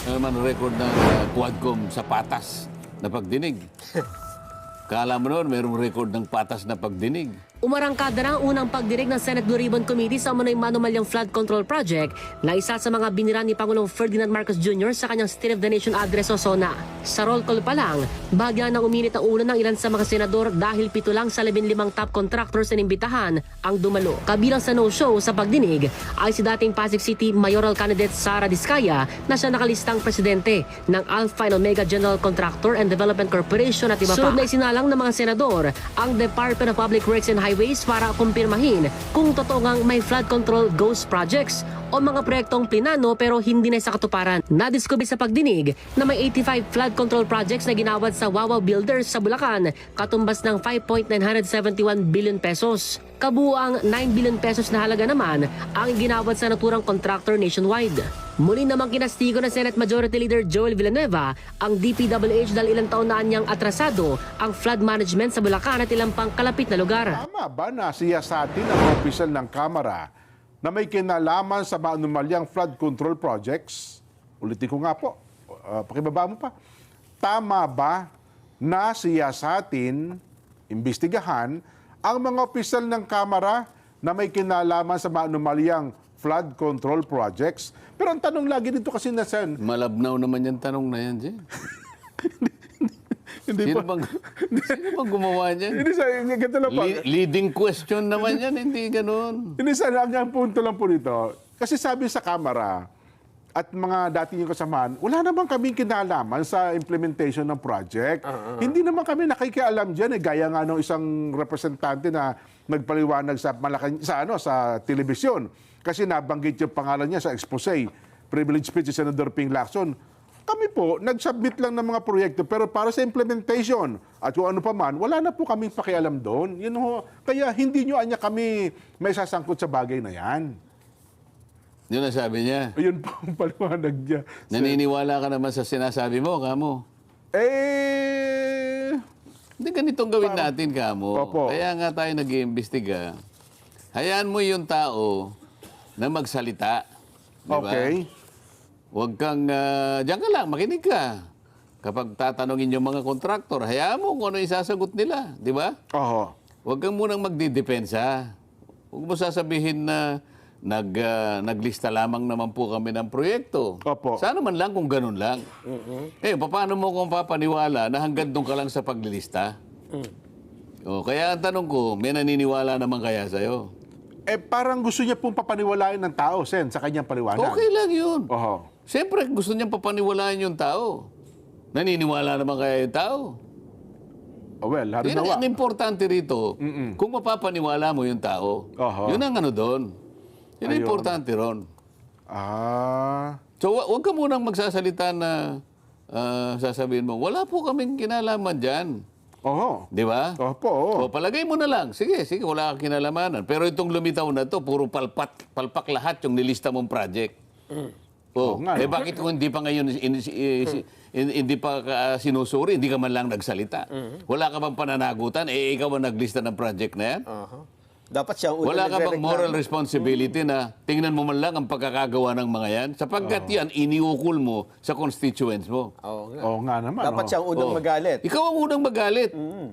Ano naman record ng Quadcom sa patas na pagdinig? Kala mo noon, mayroong record ng patas na pagdinig. Umarangkada na ang unang pagdinig ng Senate Blue Ribbon Committee sa umano'y manumalyang flood control project na isa sa mga binira ni Pangulong Ferdinand Marcos Jr. sa kanyang State of the Nation address o SONA. Sa roll call pa lang, bahagya nang uminit ang ulo ng ilan sa mga senador dahil 7 lang sa 15 top contractors na inimbitahan ang dumalo. Kabilang sa no-show sa pagdinig ay si dating Pasig City Mayoral Candidate Sara Diskaya na siya nakalistang presidente ng Alpha and Omega General Contractor and Development Corporation at iba pa. Sunod na isinalang ng mga senador ang Department of Public Works and Highways para kumpirmahin kung totoo ngang may flood control ghost projects o mga proyektong plinano pero hindi na sa katuparan. Nadiskubre sa pagdinig na may 85 flood control projects na ginawad sa Wawa Builders sa Bulacan, katumbas ng 5.971 billion pesos. Kabuang 9 billion pesos na halaga naman ang ginawad sa naturang contractor nationwide. Muli namang kinastigo ng Senate Majority Leader Joel Villanueva ang DPWH dahil ilang taon na niyang atrasado ang flood management sa Bulacan at ilang pang kalapit na lugar. Tama ba na siyasatin ang opisyal ng Kamara na may kinalaman sa maanumalyang flood control projects? Ulitin ko nga po, pakibaba mo pa. Tama ba na siyasatin, imbestigahan, ang mga opisyal ng Kamara na may kinalaman sa maanumalyang flood control projects? Pero ang tanong lagi dito kasi na Sen, Malabnaw naman yung tanong na yan, Jen. Sino bang gumawa niyan? hindi sa ganito lang pa. Leading question naman yan, hindi ganun. Hindi sa ang punto lang po dito. Kasi sabi sa Kamara at mga dati yung kasamahan, wala naman kaming kinalaman sa implementation ng project. Hindi naman kami nakikialam diyan gaya nga ng isang representante na nagpaliwanag sa sa telebisyon kasi nabanggit yung pangalan niya sa expose, privilege speech si Senator Ping Lacson. Kami po, nag-submit lang ng mga proyekto, pero para sa implementation at kung ano pa man, wala na po kaming pakialam doon. Kaya hindi nyo anya kami may sasangkot sa bagay na yan. Yun ang sabi niya. Ayun po ang paliwanag niya. Naniniwala ka naman sa sinasabi mo, kamo. Hindi ganitong gawin natin, kamo. Opo. Kaya nga tayo nag-iimbestiga. Hayaan mo yung tao na magsalita. Di ba? Okay. Huwag kang, diyan ka lang, makinig ka. Kapag tatanungin yung mga kontraktor, hayaan mo kung ano isasagot nila, di ba? Oho. Huwag kang munang magdidepensa. Huwag mo sasabihin na naglista lamang naman po kami ng proyekto. Opo. Sana man lang kung ganun lang. Paano mo kung papaniwala na hanggang doon ka lang sa paglilista? Kaya ang tanong ko, may naniniwala naman kaya sa'yo? Parang gusto niya pong papaniwalain ng tao, Sen, sa kanyang paliwanag. Okay lang yun. Oho. Siyempre, gusto niyang papaniwalaan yung tao. Naniniwala naman kaya yung tao. Well, Yun halimbawa. ang importante rito, kung mapapaniwala mo yung tao, Oho. yun ang ano doon. Yun ang Ayun. importante ron. So, wag ka munang magsasalita na sasabihin mo, wala po kaming kinalaman dyan. Oho. Di ba? Opo. O, palagay mo na lang. Sige, wala kang kinalamanan. Pero itong lumitaw na to, puro palpak lahat yung nilista mong project. Oo nga, no? Bakit kung hindi pa ngayon hindi pa sinusuri, hindi ka man lang nagsalita? Wala ka bang pananagutan? Ikaw ang naglista ng project na yan? Dapat siya ang unang Wala ka bang nagre-reklamo. moral responsibility na tingnan mo man lang ang pagkakagawa ng mga yan? Sapagkat yan, iniukol mo sa constituents mo. Oo nga. Oo nga naman. Dapat siya ang unang magalit. Ikaw ang unang magalit.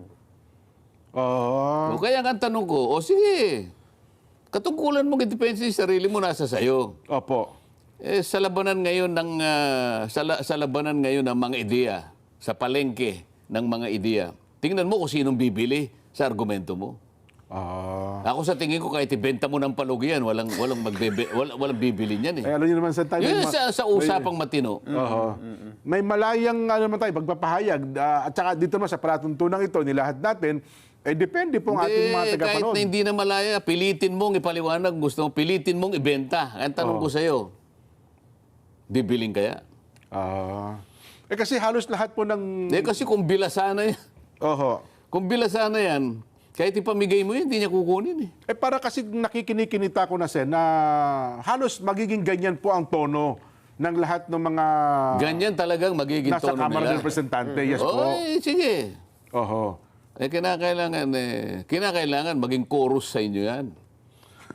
Oo. Kaya nga ang tanong ko, sige, katungkulan mong idepensa yung sarili mo nasa sayo. Opo. Sa labanan ngayon ng sa labanan ngayon ng mga ideya, sa palengke ng mga ideya, tingnan mo kung sinong bibili sa argumento mo. Ako sa tingin ko kahit ibenta mo ng palugi yan, walang bibili niyan eh. Alam niyo naman sa tayo. Yun sa usapang matino. Oho. May malayang naman tayo, pagpapahayag. At saka dito naman sa palatuntunang ito, nilahat natin, depende pong ating mga Kahit tagapanood. na hindi na malaya, pilitin mong ipaliwanag, gusto mong pilitin mong ibenta. Ang tanong ko sa'yo, bibiling kaya? Kasi halos lahat po ng... Kasi kung bilasana yan, Oho. kung bilasana yan, kahit ipamigay mo yun, hindi niya kukunin eh. Para kasi nakikinikinita ko na, Sen, na halos magiging ganyan po ang tono ng lahat ng mga Ganyan talagang magiging nasa tono Kamara nila. ng Representante. Yes po. Sige. Oho. Kinakailangan maging chorus sa inyo yan.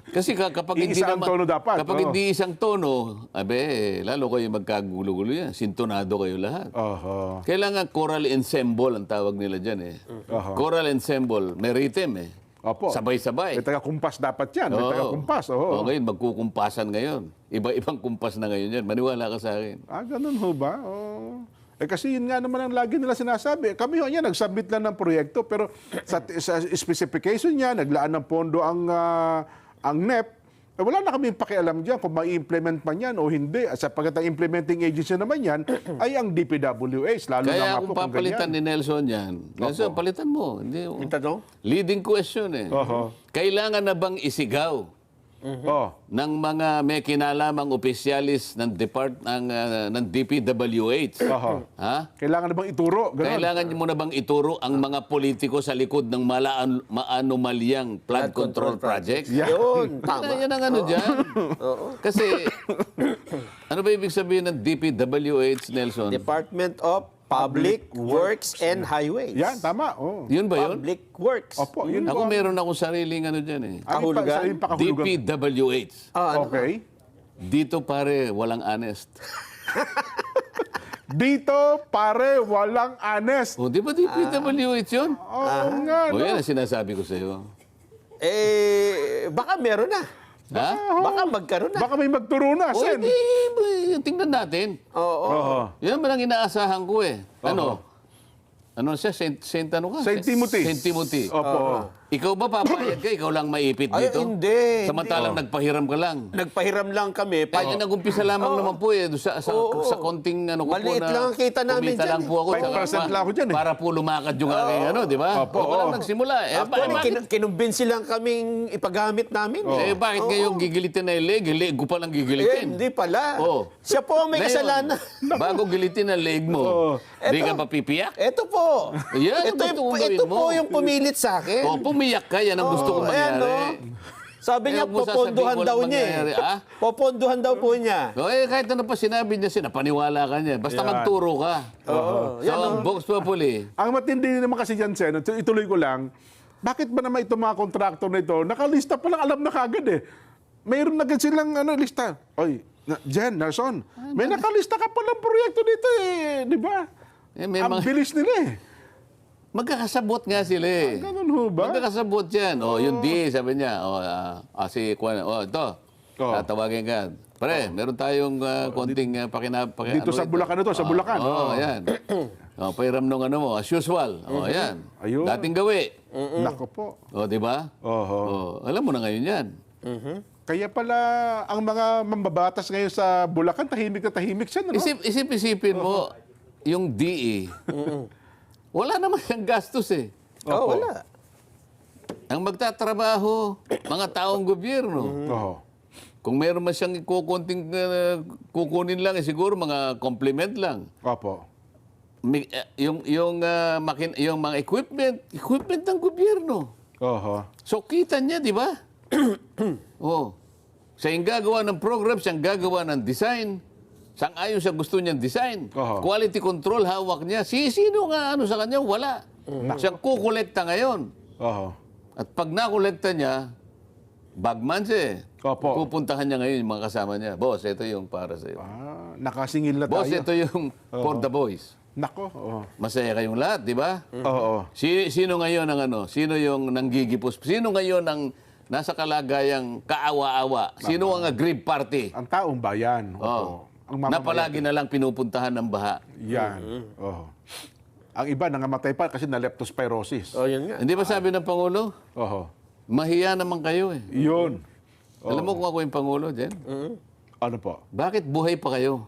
Kasi kapag hindi Iisa ang naman, tono dapat, kapag oo. hindi isang tono, lalo kayo magkagulo-gulo yan. Sintonado kayo lahat. Oho. Kailangan choral ensemble ang tawag nila dyan eh. Oho. Choral ensemble, may rhythm eh. Opo. Sabay-sabay. May taga-kumpas dapat yan. May Oo. taga-kumpas. Oo. Ngayon, magkukumpasan ngayon. Iba-ibang kumpas na ngayon yan. Maniwala ka sa akin. Ganun ho ba? Oo. Kasi yun nga naman ang lagi nila sinasabi. Kami ho yan, nag-submit lang ng proyekto, pero sa specification niya, naglaan ng pondo ang NEP. Wala na kami pakialam dyan kung mai-implement man yan o hindi. At sapagkat ang implementing agency naman yan ay ang DPWH. Lalo na Kaya nga kung po kung papalitan ganyan. ni Nelson yan, Nelson, palitan mo. Hindi, Yung tanong? leading question eh. Oho. Kailangan na bang isigaw Oh. ng mga may kinalamang opisyalis ng ng DPWH? Oho. Ha? Kailangan na bang ituro? Ganun. Kailangan mo na bang ituro ang mga politiko sa likod ng maanomalyang flood control project? Yeah. Yun, tama. Yan ang ano dyan. Kasi, ano ba ibig sabihin ng DPWH, Nelson? Department of Public Works and Highways. Yan, tama. Oh. Yun ba yun? Public Works. Opo, yun Ako po. meron akong sariling ano dyan eh. Kahulugan? Sa pakahulugan. DPWH. Ano? Okay. Dito pare, walang honest. Dito, pare, walang honest. O, di ba DPWH yun? Oo nga. O, no? yan ang sinasabi ko sa'yo. Baka meron na. Ha? Baka magkaroon na. Baka may magturo na, O, Sen. hindi. Tingnan natin. Oo. Oo. Yan naman ang inaasahan ko eh. Ano? Ano siya? Saint ano ka? Saint Timothy. Saint Timothy. Opo. Ikaw ba papayag ka? Ikaw lang maipit Ay, dito? hindi. Samantalang nagpahiram ka lang. Nagpahiram lang kami. Kaya nag-umpisa lamang naman po eh. Sa konting ano ko po Maliit na... lang ang kita namin kumita dyan lang eh. po ako. 5% lang ako dyan eh. Para po lumakad yung aking ano, di ba? Opo, Ako lang oo. nagsimula. Kinumbinsi lang kaming ipagamit namin. Bakit ngayon gigilitin na yung leg? Leg ko palang gigilitin. Hindi pala. Oo. Siya po ang may Ngayon, kasalanan. Bago gilitin ang leg mo, di ka Eto. papipiyak? Ito po. Yan, ito, ang gusto kong gawin ito mo. po yung pumilit sa akin. O, pumiyak ka, yan ang gusto kong ayan, mangyari. Sabi niya, Kaya mo sasabihin poponduhan walang daw niya. mangyayari, ah? Poponduhan daw po niya. O, kahit ano pa sinabi niya, napaniwala ka niya. Basta Yan. magturo ka. Oo. So, ang Vox Populi, Ang matindi naman kasi dyan, Sen, ituloy ko lang, bakit ba naman itong mga kontraktor na ito, nakalista pa lang, alam na kagad eh. Mayroon na agad silang lista. Oy, Jen, Nelson, may nakalista ka palang proyekto dito eh, di ba? may Ang mga, bilis nila eh. magkakasabot nga sila eh. Ganun ho ba? Magkakasabot yan. O, yung D, sabi niya. O, si Kwan, ito. Oo. Tatawagin ka. Pare, meron tayong konting Dito sa Bulacan ito, sa Bulacan. Oo, ayan. O, pahiram nung ano mo, as usual. O, ayan. Ayun. Dating gawi. Nako po. O, di ba? Oho. O, alam mo na ngayon yan. Kaya pala ang mga mambabatas ngayon sa Bulacan, tahimik na tahimik siya. No? Isipin mo, yung DE, wala naman yung gastos eh. Oh, wala. Ang magtatrabaho, mga taong gobyerno. Oho. Kung meron man siyang kukunin lang, siguro mga compliment lang. Opo. Yung mga equipment ng gobyerno. Oho. So kita niya, di ba? Oh. Siya yung gagawa ng program, siya yung gagawa ng design. Sang-ayon sa gusto niyang design. Oho. Quality control, hawak niya. Sino nga ano sa kanya? Wala. Siya kukolekta ngayon. Oho. At pag nakolekta niya, bagman siya eh. Opo. Pupuntahan niya ngayon yung mga kasama niya. Boss, ito yung para sa'yo. Nakasingil na Boss, tayo. ito yung for the boys. Nako. Oho. Masaya kayong lahat, di ba? Oo. Sino ngayon ang ano? Sino yung nanggigipos? Sino ngayon ang nasa kalagayang kaawa-awa? Sino ang aggrieved party? Ang taong bayan. Opo. Oh. Ang Na mamamayan. palagi na lang pinupuntahan ng baha. Yan. Oho. Ang iba nangamatay pa kasi na leptospirosis. Oh, yun nga. Hindi ba sabi ng Pangulo? Oho. Mahiya naman kayo eh. Yun. Alam mo kung ako yung Pangulo, Jen? Ano po? Bakit buhay pa kayo?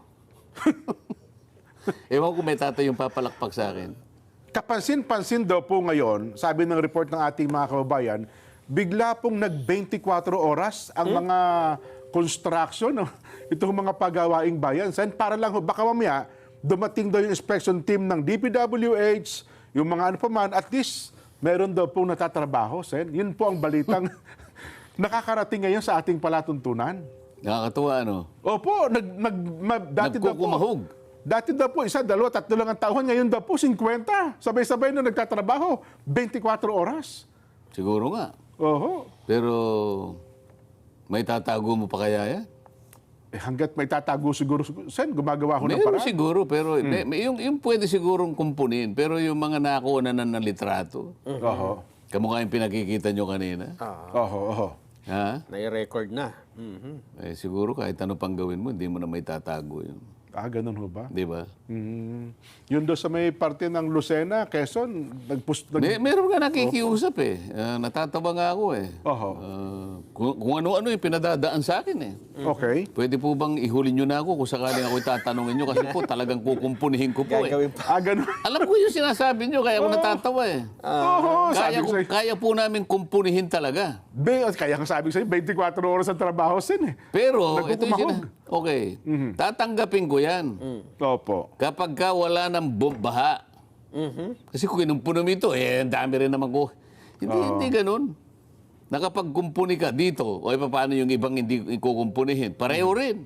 Ewan ko may tatay yung papalakpak sa akin. Kapansin-pansin daw po ngayon, sabi ng report ng ating mga kababayan, bigla pong nag-24 oras ang mga construction, itong mga pagawaing bayan. Sen, para lang, baka mamaya, dumating daw yung inspection team ng DPWH, yung mga ano pa man, at least, meron daw pong natatrabaho, Sen. Yun po ang balitang nakakarating ngayon sa ating palatuntunan. Nakakatuwa, ano? Opo, dati daw po. Nagkukumahog. Dati daw po, 1, 2, 3 lang ang taon. Ngayon daw po, 50. Sabay-sabay na nagtatrabaho. 24 oras. Siguro nga. Oho. Pero May tatago mo pa kaya yan? Hanggat may tatago siguro, Sen, gumagawa ko ng Meron paraan. siguro, pero yung pwede sigurong kumpunin. Pero yung mga nakuha na ng litrato, Oho. kamukha yung pinakikita nyo kanina. Oho, oho. Ha? Nai-record na. Mhm. Eh, siguro kahit ano pang gawin mo, hindi mo na may tatago yun. Ganun ho ba? Di ba? Yun doon sa may parte ng Lucena, Quezon, Meron nga nakikiusap eh. Natatawa nga ako eh. Oho. Kung ano-ano yung pinadadaan sa akin eh. Okay. Pwede po bang ihuli nyo na ako kung sakaling ako'y tatanungin nyo kasi po talagang kukumpunihin ko po eh. Gagawin pa. Ganun. Alam ko yung sinasabi nyo, kaya ako natatawa eh. Oho, sabi ko sa'yo. Kaya po namin kumpunihin talaga. Kaya nga sabi ko sa'yo, 24 oras ang trabaho, Sen eh. Pero, ito yung Nagkukumahog. okay, tatanggapin ko yan. Opo. Kapag ka wala ng baha. Kasi kung kinumpuno mo ito, ang dami rin naman ko. Hindi ganun. Nakapagkumpuni ka dito, o paano yung ibang hindi kukumpunihin? Pareho rin.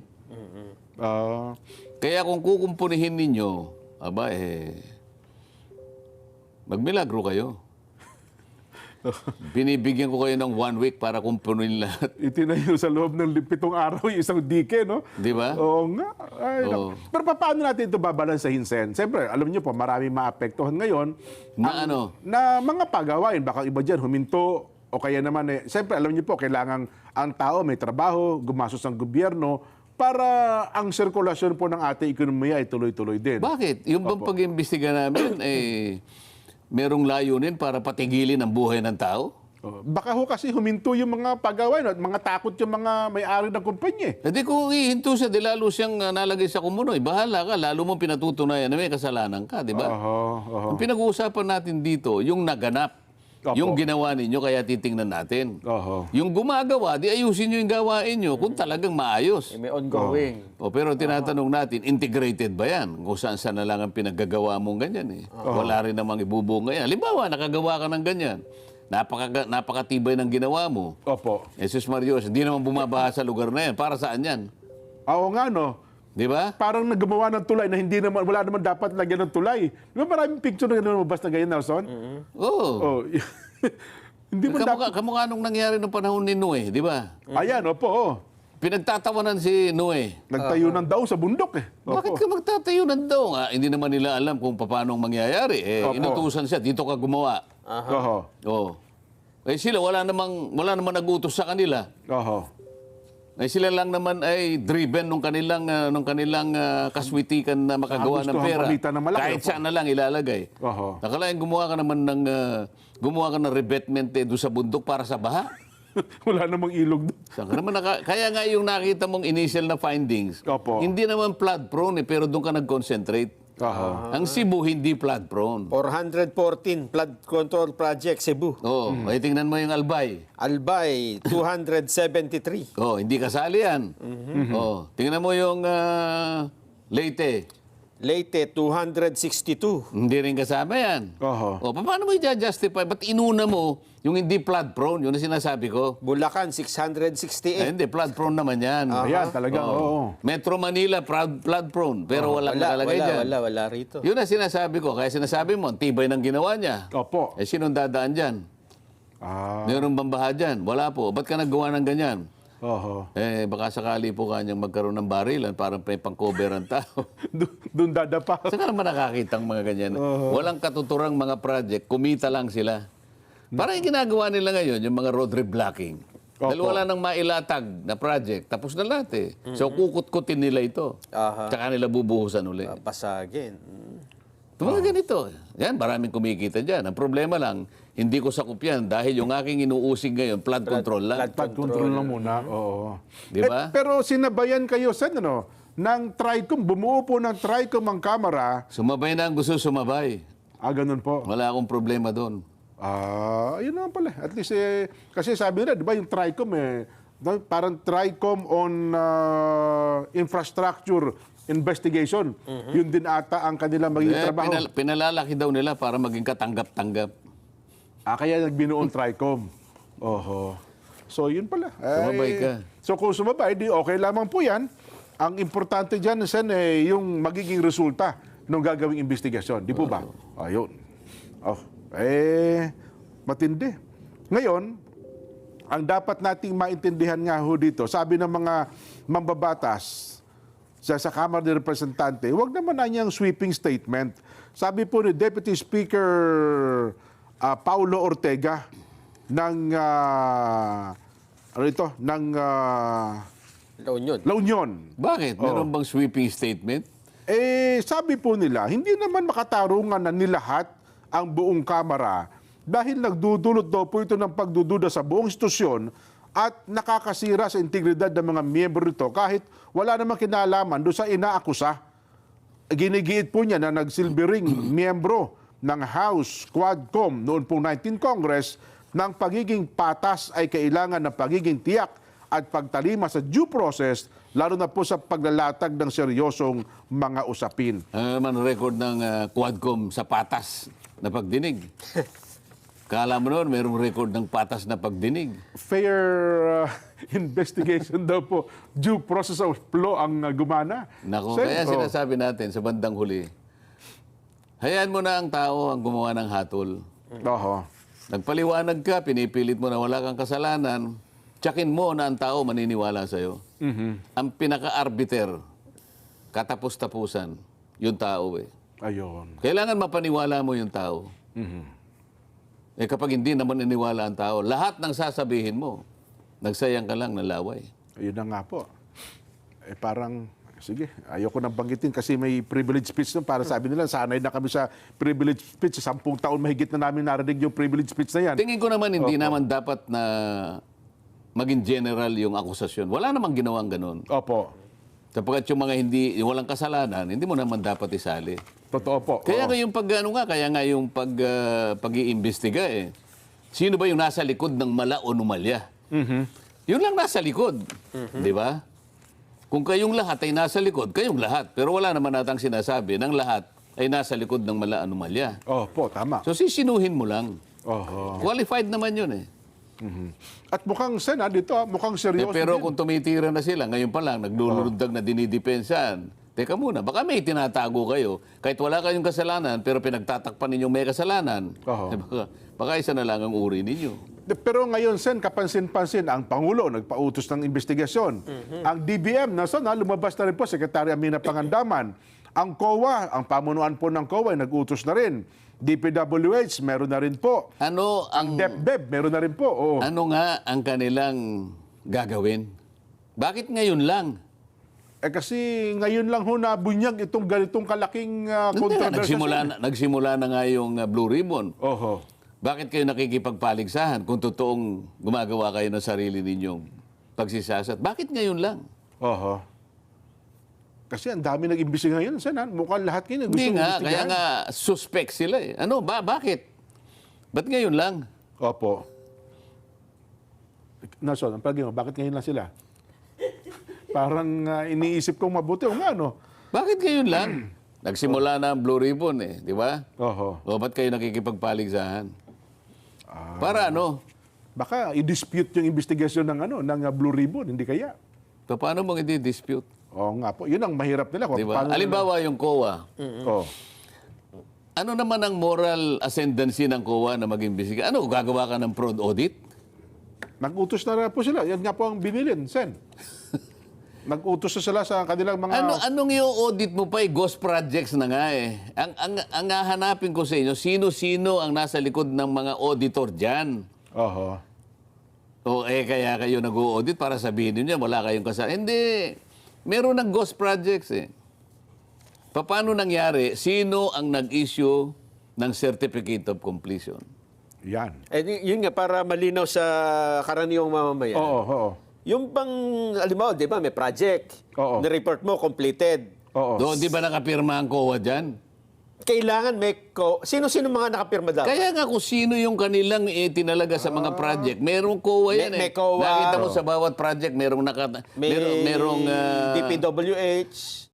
Kaya kung kukumpunihin ninyo, magmilagro kayo. Binibigyan ko kayo ng 1 week para kumpunin lahat. Itinayo sa loob ng 7 araw yung isang dike, no? Di ba? Oo nga. Ay, Oo. naku. Pero paano natin ito babalansahin, Sen? Siyempre, alam niyo po, maraming maapektuhan ngayon. Na mga pagawain, baka iba dyan, huminto, o kaya naman, siyempre, alam niyo po, kailangan ang tao may trabaho, gumastos ang gobyerno, para ang sirkulasyon po ng ating ekonomiya ay tuloy-tuloy din. Bakit? Yung bang pag-imbestiga namin, merong layunin para patigilin ang buhay ng tao? Baka ho kasi huminto yung mga pagawain at mga takot yung mga may-ari ng kumpanya. Hindi kung ihinto siya, di lalo siyang nalagay sa kumunoy. Bahala ka, lalo mong pinatutunayan na may kasalanan ka, di ba? Ang pinag-uusapan natin dito, yung naganap. Opo. Yung ginawa ninyo, kaya titingnan natin. Oho. Yung gumagawa, di ayusin nyo yung gawain nyo kung talagang maayos. May ongoing. Pero tinatanong natin, integrated ba yan? Kung saan na lang ang pinaggagawa mong ganyan eh. Wala rin namang ibubunga yan. Halimbawa, nakagawa ka ng ganyan. Napakatibay ng ginawa mo. Opo. Jesus Marios, hindi naman bumabaha sa lugar na yan. Para saan yan? Oo nga, no? Di ba? Parang naggumawa ng tulay na hindi naman, wala naman dapat lagyan ng tulay. Di ba maraming picture na lumabas na ganyan, Nelson? Oo. Oh. Hindi mo dapat. Kamukha nung nangyari nung panahon ni Noe, di ba? Ayan, opo. Oh. Pinagtatawanan si Noe. Nagtayo ng daw sa bundok eh. Bakit ka magtatayo ng daw? Hindi naman nila alam kung paano mangyayari. Opo. Inutusan siya, dito ka gumawa. Oho. Oo. Sila, wala namang nag-utos sa kanila. Oho. Sila lang naman ay driven nung kanilang kaswitikan na makagawa ng Gusto pera. ang palitan ng malaki, Kahit opo. saan na lang ilalagay. Oho. Nakalain gumawa ka naman ng revetment doon sa bundok para sa baha. Wala namang ilog doon. Saan ka naman kaya nga yung nakita mong initial na findings, Opo. hindi naman flood prone pero doon ka nag-concentrate. Oho. Ang Cebu hindi flood prone. 414 flood control project Cebu. Oo, ay tingnan mo yung Albay. Albay 273. Oh, hindi kasali yan. Oh, tingnan mo yung Leyte. Leyte 262. Hindi rin kasama yan. Oho. O, paano mo i-justify? Ba't inuna mo yung hindi flood prone? Yun ang sinasabi ko. Bulacan 668. Hindi, flood prone naman yan. Ayan, talaga. Oo. Metro Manila, flood prone. Pero walang nakalagay dyan. Wala rito. Yun ang sinasabi ko. Kaya sinasabi mo, ang tibay ng ginawa niya. Opo. Sinong dadaan dyan? Meron bang baha dyan? Wala po. Ba't ka naggawa ng ganyan? Oho. Baka sakali po kanyang magkaroon ng barilan para may pang-cover ang tao. Doon dadapa. Saan ka naman nakakita ang mga ganyan? Walang katuturang mga project, kumita lang sila. Parang yung ginagawa nila ngayon, yung mga road reblocking. Dahil wala nang mailatag na project, tapos na lahat eh. So kukut-kutin nila ito. Tsaka nila bubuhusan ulit. Pasagin. Mga ganito. Yan, maraming kumikita dyan. Ang problema lang, hindi ko sakup yan dahil yung aking inuusig ngayon, flood control lang. Flood control lang muna. Oo. Di ba? Pero sinabayan kayo, Sen, ano, ng TRICOM, bumuo po ng TRICOM ang kamera. Sumabay na ang gusto sumabay. Ganun po. Wala akong problema doon. Yun naman pala. At least, kasi sabi nila, di ba yung TRICOM, parang TRICOM on infrastructure investigation. Yun din ata ang kanilang magiging trabaho. Pinalalaki daw nila para maging katanggap-tanggap. Kaya nagbinuon TRICOM. Oho. So, yun pala. Sumabay ka. So, kung sumabay, di okay lamang po yan. Ang importante dyan, Sen, yung magiging resulta ng gagawing investigasyon. Di po ba? Ayun. Matindi. Ngayon, ang dapat nating maintindihan nga ho dito, sabi ng mga mambabatas sa Kamara de Representante, huwag naman na niyang sweeping statement. Sabi po ni Deputy Speaker Paulo Ortega ng La Union. La Union. Bakit? Meron bang sweeping statement? Sabi po nila, hindi naman makatarungan na nilahat ang buong Kamara dahil nagdudulot daw po ito ng pagdududa sa buong institusyon at nakakasira sa integridad ng mga miyembro nito kahit wala namang kinalaman doon sa inaakusa. Ginigiit po niya na nagsilbing miyembro ng House Quadcom noon pong 19th Congress ng pagiging patas ay kailangan ng pagiging tiyak at pagtalima sa due process, lalo na po sa paglalatag ng seryosong mga usapin. Ano naman record ng Quadcom sa patas na pagdinig? Kala mo noon, merong record ng patas na pagdinig. Fair investigation daw po, due process of law ang gumana. Nako, Sen, kaya sinasabi natin sa bandang huli, hayaan mo na ang tao ang gumawa ng hatol. Oho. Nagpaliwanag ka, pinipilit mo na wala kang kasalanan, tsakin mo na ang tao maniniwala sa'yo. Ang pinaka-arbiter, katapos-tapusan, yung tao eh. Ayun. Kailangan mapaniwala mo yung tao. Kapag hindi naman niniwala ang tao, lahat ng sasabihin mo, nagsayang ka lang ng laway. Ayun na nga po. Parang, sige, ayoko nang banggitin kasi may privilege speech nun. Para sabi nila, sanay na kami sa privilege speech. 10 taon mahigit na namin narinig yung privilege speech na yan. Tingin ko naman hindi naman dapat na maging general yung akusasyon. Wala namang ginawang ganun. Opo. Sapagkat yung mga yung walang kasalanan, hindi mo naman dapat isali. Totoo po. Kaya Oo. nga yung pag-iimbestiga eh. Sino ba yung nasa likod ng mala o numalya? Yun lang nasa likod. Di ba? Kung kayong lahat ay nasa likod, kayong lahat. Pero wala naman natang sinasabi ng lahat ay nasa likod ng mala o numalya. Opo, tama. So sisinuhin mo lang. Oho. Qualified naman yun eh. At mukhang dito, mukhang seryoso Pero din. kung tumitira na sila, ngayon pa lang, naglulundag na dinidepensahan. Teka muna, baka may tinatago kayo. Kahit wala kayong kasalanan, pero pinagtatakpan ninyong may kasalanan. Oo. Baka isa na lang ang uri ninyo. Pero ngayon, Sen, kapansin-pansin, ang Pangulo nagpautos ng investigasyon. Ang DBM, lumabas na rin po, Secretary Amina Pangandaman. Ang COA, ang pamunuan po ng COA, nag-utos na rin. DPWH, meron na rin po. Ano ang DepDep, meron na rin po. Oo. ano nga ang kanilang gagawin? Bakit ngayon lang? Kasi ngayon lang ho nabunyag itong ganitong kalaking Hindi nga, controversy. nagsimula na nga yung Blue Ribbon. Oho. Bakit kayo nakikipagpaligsahan kung totoong gumagawa kayo ng sarili ninyong pagsisasat? Bakit ngayon lang? Oho. Kasi ang dami nag-imbestiga ngayon, Sen. Mukhang lahat kayo gusto Hindi nga, imbestigahan. kaya nga suspect sila eh. Ano, bakit? Ba't ngayon lang? Opo. Nason, ang palagi mo, bakit ngayon lang sila? Parang iniisip kong mabuti. O nga, no? Bakit ngayon lang? Nagsimula na ang Blue Ribbon eh, di ba? Oho. O ba't kayo nakikipagpaligsahan? Para ano? Baka i-dispute yung investigasyon ng Blue Ribbon, hindi kaya? Paano mong i-dispute? Oo nga po. Yun ang mahirap nila. Kung Di ba? paano Halimbawa yung COA. Oh. Ano naman ang moral ascendancy ng COA na mag-imbestiga? Ano, gagawa ka ng fraud audit? Nag-utos na po sila. Yan nga po ang binilin, Sen. Nag-utos na sila sa kanilang mga... Anong i-audit mo pa eh? Ghost projects na nga eh. Ang hahanapin ko sa inyo, sino-sino ang nasa likod ng mga auditor dyan? Oho. O kaya kayo nag-audit para sabihin niyo wala kayong kasalanan. Hindi. Meron ng ghost projects eh. Paano nangyari? Sino ang nag-issue ng Certificate of Completion? Yan. Yun nga, para malinaw sa karaniwang mamamayan. Oo, oo. Yung bang, alam mo, di ba, may project. Oo. Na-report mo, completed. Oo. Doon, di ba nakapirma ang COA dyan? Kailangan may sino-sino mga nakapirma dapat? Kaya nga kung sino yung kanilang tinalaga sa mga project, merong COA yan May eh. COA. Nakita mo sa bawat project, merong May merong DPWH.